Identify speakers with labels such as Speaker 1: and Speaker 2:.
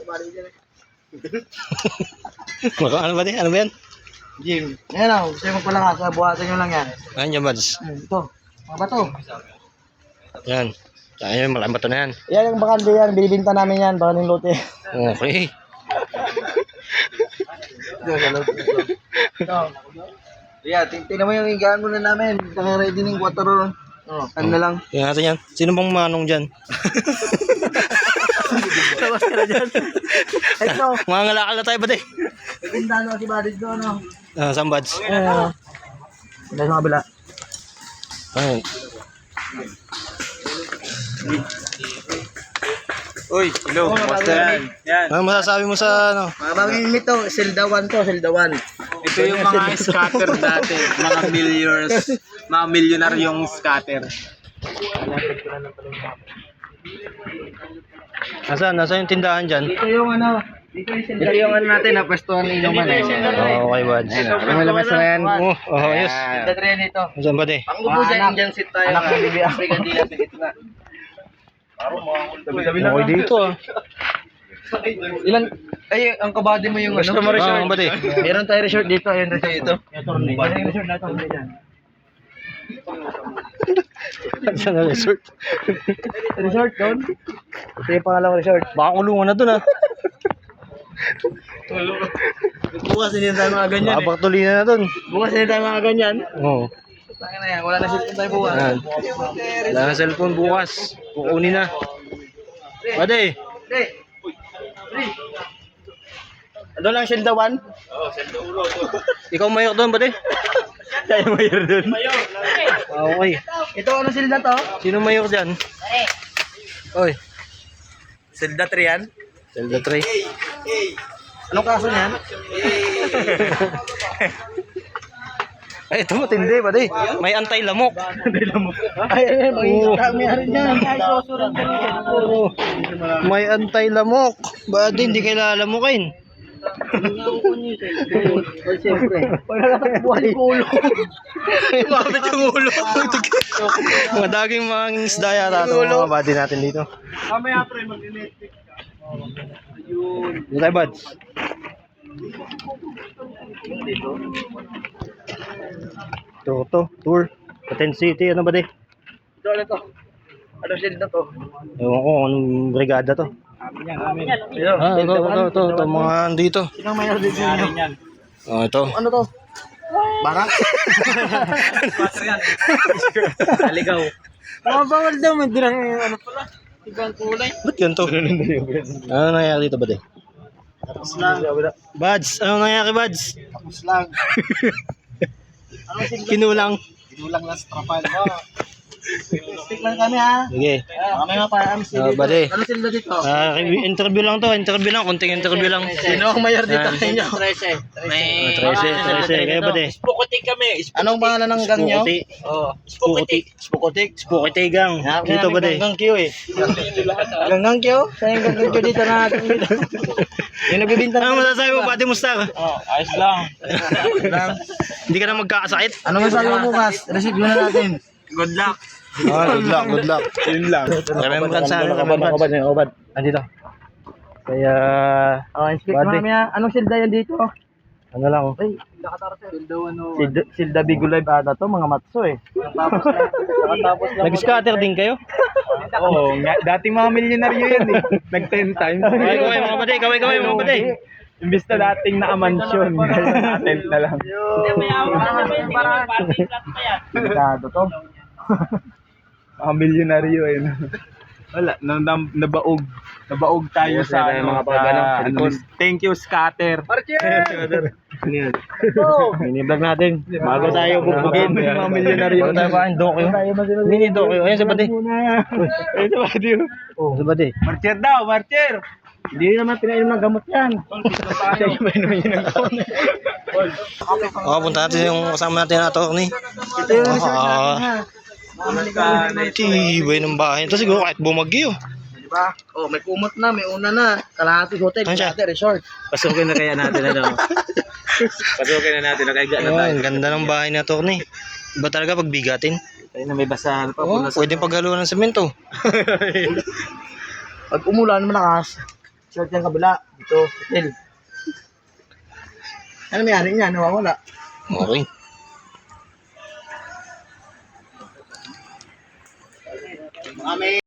Speaker 1: Ano ba din? Ano ba yan?
Speaker 2: Gym. Ayan o, gusto mo pala nga, buhatan nyo lang yan.
Speaker 1: Ayan yung buds.
Speaker 2: Ito, mga bato.
Speaker 1: Yan. Ayan, malaking bato na yan.
Speaker 2: Yan yung bakante yan, binibinta namin yan, baka ng lote.
Speaker 1: Okay.
Speaker 2: Ito. Yeah, tingnan mo yung higaan muna namin. Saka ready ng 4 ron. Ano na lang.
Speaker 1: Tingnan natin yan. Sino bang manong dyan?
Speaker 2: Labas ka na dyan. Ito.
Speaker 1: Mga ngalakal na tayo ba din?
Speaker 2: Pagkindano si Badis doon, no?
Speaker 1: Saan buds?
Speaker 2: Dahil sa kabila.
Speaker 1: Ayun.
Speaker 3: Uy, hello. Basta yan. Yan.
Speaker 1: Ano masasabi mo sa ano?
Speaker 2: Mga bagay nito to, Zelda 1 to, Zelda 1.
Speaker 3: Ito yung mga scatter dati. Mga mga milyonaryong scatter.
Speaker 1: Nasaan yung tindahan dyan?
Speaker 2: Dito yung ano, dito yung ano natin, napwestuhan ng inuman eh.
Speaker 1: Okay buds.
Speaker 2: Ano labas na yan?
Speaker 1: Ayos.
Speaker 2: Zelda 3 nito.
Speaker 1: Saan ba din?
Speaker 2: Pangupo dyan, Indian seat tayo. Anak ng Bibi Africa, di natin ito na.
Speaker 1: Okay dito ah.
Speaker 2: Ilan, ay, ang kabady mo yung
Speaker 1: Gusto mo resort? Ba din?
Speaker 2: Meron tayo resort dito, ayun resort dito. Meron yung resort natin dyan.
Speaker 1: Saan na resort?
Speaker 2: Resort doon? Ito yung pangalawang resort.
Speaker 1: Baka kulungan na dun ah.
Speaker 2: Bukas hindi tayo mga ganyan
Speaker 1: Baka pagtulinan na dun.
Speaker 2: Bukas hindi tayo mga ganyan.
Speaker 1: Oo.
Speaker 2: Tanga na yan, wala na cellphone tayo bukas.
Speaker 1: Ayan. Wala na cellphone bukas. Kukunin na. Bade.
Speaker 2: Pre! Pre! Ano lang Zelda 1?
Speaker 1: Ikaw mayok doon bade.
Speaker 2: Tayo mayor doon.
Speaker 1: Okay.
Speaker 2: Ito ano Zelda to?
Speaker 1: Sino mayok dyan? Oy.
Speaker 2: Zelda 3 yan?
Speaker 1: Zelda 3.
Speaker 2: Anong kaso niyan?
Speaker 1: Ay, ito matindi bade. May antay-lamok.
Speaker 2: Ay, may yan. Ay, susurang ka rin.
Speaker 1: Oo. May antay-lamok. Bade, hindi kayo lalamukin.
Speaker 2: Ay, siyempre. Pag nakatakbuhan yung ulo.
Speaker 1: Mabit yung ulo. Mga daging mga isda yata ito mga body natin dito.
Speaker 2: Mamaya pre, mag-electric ka.
Speaker 1: Dito tayo buds. Ito, tour. Paten City, ano ba di?
Speaker 2: Ito ano to? Ano Zelda to?
Speaker 1: Ewan ko anong brigada to. Ito, mga andito.
Speaker 2: Sinang mayor dito niyo?
Speaker 1: Ito.
Speaker 2: Ano to? Barak?
Speaker 3: Aligaw.
Speaker 2: Bawal daw, may dirang ano pala. Ibang kulay.
Speaker 1: Ba't ganito? Ano nangyari dito ba di?
Speaker 2: Tapos lang.
Speaker 1: Buds, ano nangyari buds?
Speaker 2: Tapos lang. Ano Zelda?
Speaker 1: Kinulang.
Speaker 2: Ginulang lang sa trapal. Stick lang kami ha.
Speaker 1: Sige.
Speaker 2: Kami nga para MC dito.
Speaker 1: Bade.
Speaker 2: Ano Zelda dito?
Speaker 1: Interview lang to, konting interview lang.
Speaker 2: Sino ang mayor dito sa inyo?
Speaker 1: 13, kayo ba di?
Speaker 3: Spukotik kami.
Speaker 2: Anong pangalan ng gang nyo?
Speaker 1: Spukotik. Spukoti gang. Dito ba di?
Speaker 2: Gang Q eh. Gang Q? Saan yung gang Q dito na natin dito? Yung nagbibinta
Speaker 1: Ano masasabi mo, Pati Mustar?
Speaker 3: Ayos lang.
Speaker 1: Hindi ka na magkakasakit?
Speaker 2: Ano masasabi mo bukas? Receive na natin.
Speaker 3: Good luck.
Speaker 1: Good luck. Yun lang. Remembrance sa Obad. Andito. Kaya,
Speaker 2: Speak kami ha. Anong silda yan dito?
Speaker 1: ano lang.
Speaker 2: Ay, silda Bigo Live ata to, mga matso eh. Nakatapos lang.
Speaker 1: Nag-scatter din kayo?
Speaker 3: Oo, dating mga milyonaryo yan eh. Nag 10 times.
Speaker 1: Kaway mga pati.
Speaker 3: Imbis na dating naka-mansion. Tent na lang.
Speaker 2: Sigurado to.
Speaker 3: Mga milyonaryo eh. Wala, nabaog. Nabaog tayo sa
Speaker 1: mga pag-ano.
Speaker 3: Thank you, scatter.
Speaker 1: Mini-vlog natin. Bago tayo bubugin.
Speaker 3: Mga milyonaryo.
Speaker 1: Bago tayo kain, dokyo. Mini dokyo. Ayun sa Pati.
Speaker 3: Ayun sa Pati.
Speaker 1: Oh, sa Pati.
Speaker 3: Marcher daw, marcher.
Speaker 2: Hindi naman pinainom ng gamot yan.
Speaker 1: Punta natin yung kasama natin na attorney.
Speaker 2: Ito yung resort natin ha.
Speaker 1: Tibay ng bahay. Ito siguro kahit bumagyo.
Speaker 2: Diba? Oh, may kumot na, may una na. Kalahati hotel,
Speaker 1: Ano siya?
Speaker 2: kalahati resort.
Speaker 3: Pasukin na kaya natin ano. Pasukin na natin, nakaiga na tayo.
Speaker 1: Ang ganda ng bahay na attorney. Iba talaga pag bigatin.
Speaker 3: Tayo na may basahan pa.
Speaker 1: Oh, pwedeng paghaluan ng semento.
Speaker 2: Pag umulan, malakas. short yung kabila. Dito, hotel. Ano mayari niya? Nawawala.
Speaker 1: Okay.